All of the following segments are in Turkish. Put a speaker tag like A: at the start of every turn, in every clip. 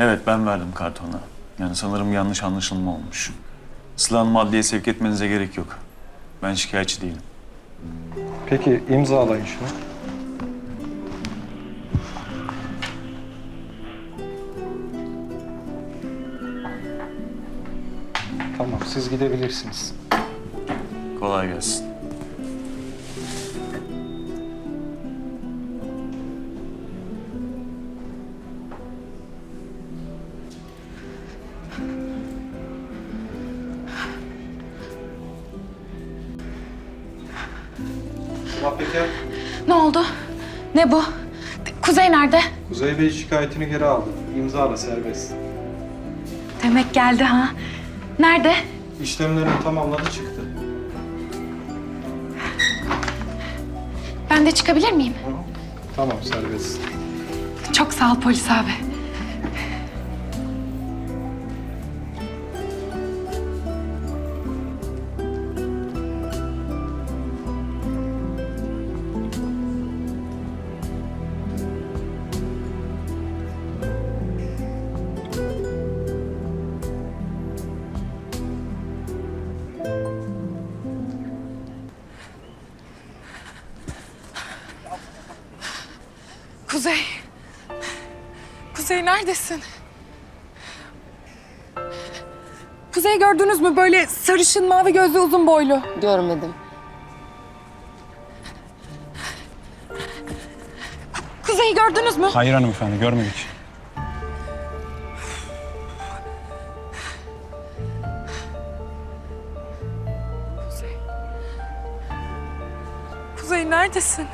A: Evet, ben verdim kartonu. Yani sanırım yanlış anlaşılma olmuş. Sıla Hanım'ı adliyeye sevk etmenize gerek yok. Ben şikayetçi değilim.
B: Peki imzalayın şunu. Tamam, siz gidebilirsiniz.
A: Kolay gelsin.
B: Sıla Peker,
C: Ne oldu? Ne bu? Kuzey nerede?
B: Kuzey Bey şikayetini geri aldı. İmzala, serbest.
C: Demek geldi ha. Nerede?
B: İşlemlerini tamamladı, çıktı.
C: Ben de çıkabilir miyim?
B: Tamam, serbest.
C: Çok sağ ol polis abi. Kuzey. Kuzey neredesin? Kuzey gördünüz mü? Böyle sarışın, mavi gözlü, uzun boylu.
D: Görmedim.
C: Kuzey'i gördünüz mü?
E: Hayır hanımefendi, görmedik.
C: Kuzey neredesin?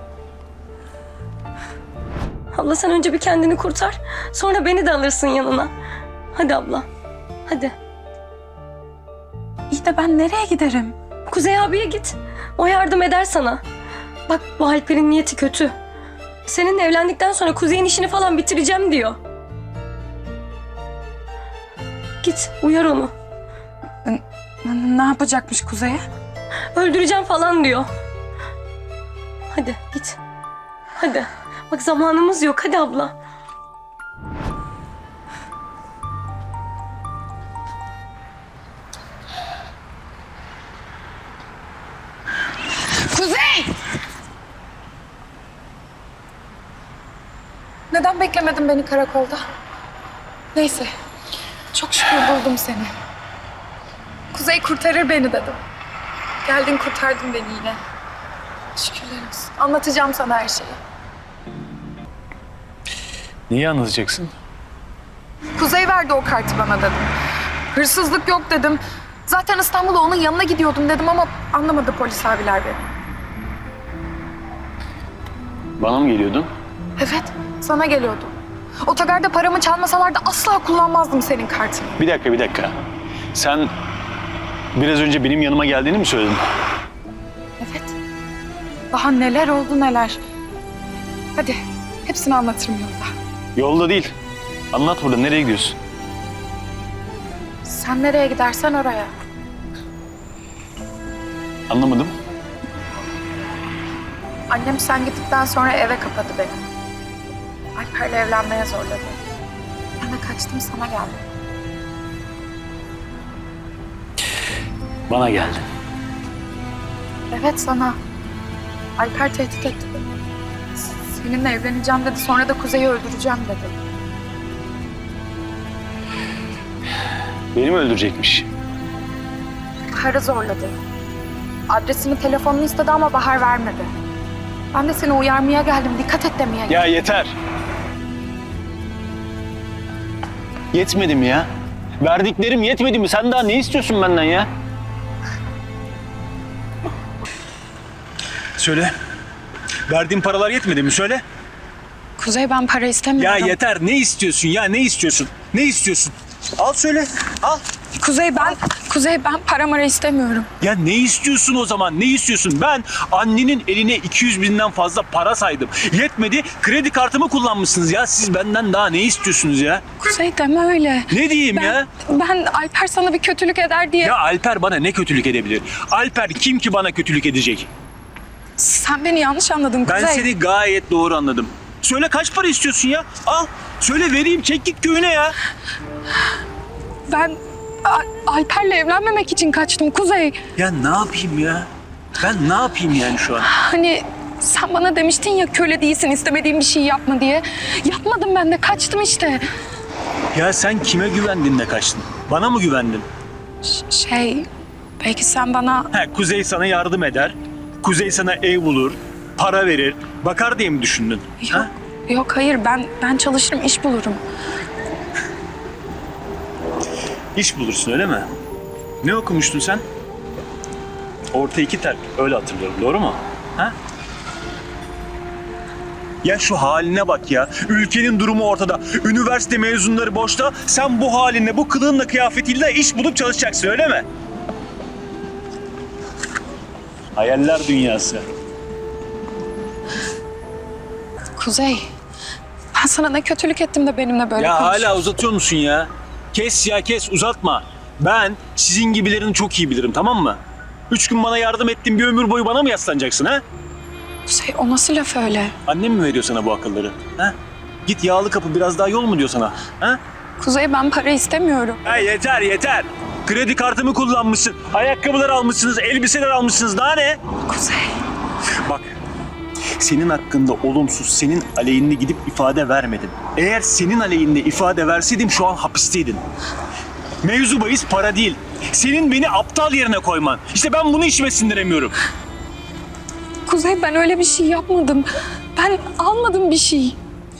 D: Abla sen önce bir kendini kurtar. Sonra beni de alırsın yanına. Hadi abla. Hadi.
C: İyi de ben nereye giderim?
D: Kuzey abiye git. O yardım eder sana. Bak bu Alper'in niyeti kötü. Seninle evlendikten sonra Kuzey'in işini falan bitireceğim diyor. Git uyar onu.
C: Ne yapacakmış Kuzey'e?
D: Öldüreceğim falan diyor. Hadi git. Hadi. Bak zamanımız yok. Hadi abla.
C: Kuzey! Neden beklemedin beni karakolda? Neyse. Çok şükür buldum seni. Kuzey kurtarır beni dedim. Geldin kurtardın beni yine. Şükürler olsun. Anlatacağım sana her şeyi.
A: Niye anlatacaksın?
C: Kuzey verdi o kartı bana dedim. Hırsızlık yok dedim. Zaten İstanbul'a onun yanına gidiyordum dedim ama anlamadı polis abiler beni.
A: Bana mı geliyordun?
C: Evet, sana geliyordum. Otogarda paramı çalmasalardı asla kullanmazdım senin kartını.
A: Bir dakika. Sen biraz önce benim yanıma geldiğini mi söyledin?
C: Evet. Daha neler oldu neler. Hadi hepsini anlatırım yolda.
A: Yolda değil. Anlat burada. Nereye gidiyorsun?
C: Sen nereye gidersen oraya.
A: Anlamadım.
C: Annem sen gittikten sonra eve kapadı beni. Alper'le evlenmeye zorladı. Ben de kaçtım sana geldim.
A: Bana geldin.
C: Evet sana. Alper tehdit etti beni. Seninle evleneceğim dedi. Sonra da Kuzey'i öldüreceğim dedi.
A: Beni mi öldürecekmiş?
C: Bahar'ı zorladı. Adresini, telefonunu istedi ama Bahar vermedi. Ben de seni uyarmaya geldim. Dikkat et demeye geldim.
A: Ya yeter. Yetmedi mi ya? Verdiklerim yetmedi mi? Sen daha ne istiyorsun benden ya?
E: Söyle. Verdiğin paralar yetmedi mi? Söyle.
C: Kuzey ben para
E: Ya
C: istemiyorum.
E: yeter. Ne istiyorsun ya? Ne istiyorsun? Ne istiyorsun? Al söyle. Al.
C: Kuzey ben para mara istemiyorum.
E: Ya ne istiyorsun o zaman? Ne istiyorsun? Ben annenin eline 200 binden fazla para saydım. Yetmedi. Kredi kartımı kullanmışsınız ya. Siz benden daha ne istiyorsunuz ya?
C: Kuzey deme öyle.
E: Ne diyeyim ya?
C: Ben Alper sana bir kötülük eder diye.
E: Ya Alper bana ne kötülük edebilir? Alper kim ki bana kötülük edecek?
C: Sen beni yanlış anladın Kuzey.
E: Ben seni gayet doğru anladım. Söyle kaç para istiyorsun ya? Al. Söyle vereyim, çek git köyüne ya.
C: Ben Alper'le evlenmemek için kaçtım Kuzey.
E: Ya ne yapayım ya? Ben ne yapayım yani şu an?
C: Hani sen bana demiştin ya köle değilsin, istemediğin bir şey yapma diye. Yapmadım, ben de kaçtım işte.
E: Ya sen kime güvendin de kaçtın? Bana mı güvendin?
C: Belki sen bana...
E: Kuzey sana yardım eder. Kuzey sana ev bulur, para verir, bakar diye mi düşündün?
C: Yok, yok hayır, ben çalışırım, iş bulurum.
E: İş bulursun öyle mi? Ne okumuştun sen? Orta 2 terk, öyle hatırlıyorum, doğru mu? Ha? Ya şu haline bak ya. Ülkenin durumu ortada. Üniversite mezunları boşta. Sen bu halinle, bu kılığınla, kıyafetiyle iş bulup çalışacaksın öyle mi? Hayaller dünyası.
C: Kuzey, ben sana ne kötülük ettim de benimle böyle
E: Ya
C: konuşuyorsun?
E: hala uzatıyor musun ya? Kes ya kes, uzatma. Ben sizin gibilerini çok iyi bilirim, tamam mı? 3 gün bana yardım ettin, bir ömür boyu bana mı yaslanacaksın ha?
C: Kuzey, o nasıl laf öyle?
E: Annem mi veriyor sana bu akılları? Ha? Git yağlı kapı, biraz daha yol mu diyor sana? Ha?
C: Kuzey, ben para istemiyorum.
E: Ha yeter yeter. Kredi kartımı kullanmışsın, ayakkabılar almışsınız, elbiseler almışsınız. Daha ne?
C: Kuzey,
E: Bak, senin hakkında olumsuz, senin aleyhinde gidip ifade vermedim. Eğer senin aleyhinde ifade verseydim şu an hapisteydin. Mevzu bahis para değil. Senin beni aptal yerine koyman. İşte ben bunu içime sindiremiyorum.
C: Kuzey, ben öyle bir şey yapmadım. Ben almadım bir şey.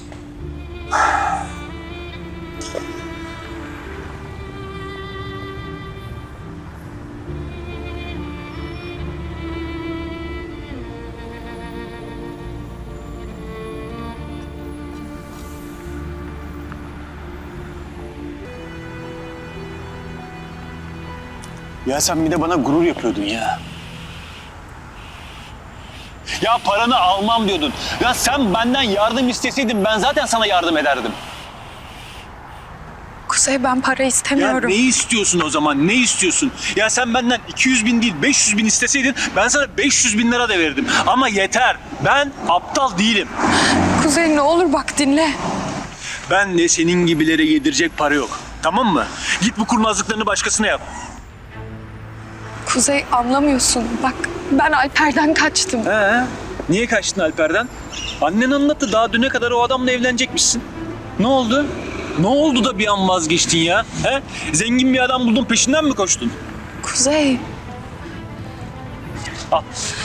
E: Ya sen bir de bana gurur yapıyordun ya. Ya paranı almam diyordun. Ya sen benden yardım isteseydin ben zaten sana yardım ederdim.
C: Kuzey, ben para
E: Ya
C: istemiyorum.
E: ne istiyorsun o zaman? Ne istiyorsun? Ya sen benden 200 bin değil 500 bin isteseydin ben sana 500 bin lira da verirdim. Ama yeter. Ben aptal değilim.
C: Kuzey, ne olur bak dinle.
E: Ben de senin gibilere yedirecek para yok. Tamam mı? Git bu kurnazlıklarını başkasına yap.
C: Kuzey, anlamıyorsun. Bak, ben Alper'den kaçtım.
E: Niye kaçtın Alper'den? Annen anlattı, daha düne kadar o adamla evlenecekmişsin. Ne oldu? Ne oldu da bir an vazgeçtin ya? He? Zengin bir adam buldun, peşinden mi koştun?
C: Kuzey,
E: Al.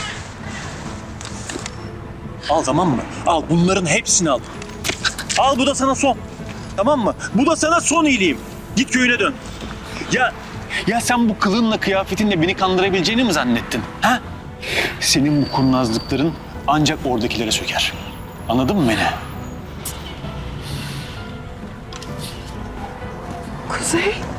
E: Al, tamam mı? Al, bunların hepsini al. Al, bu da sana son. Tamam mı? Bu da sana son iyiliğim. Git köyüne dön. Ya sen bu kılığınla, kıyafetinle beni kandırabileceğini mi zannettin? Ha? Senin bu kurnazlıkların ancak oradakilere söker. Anladın mı beni?
C: Kuzey.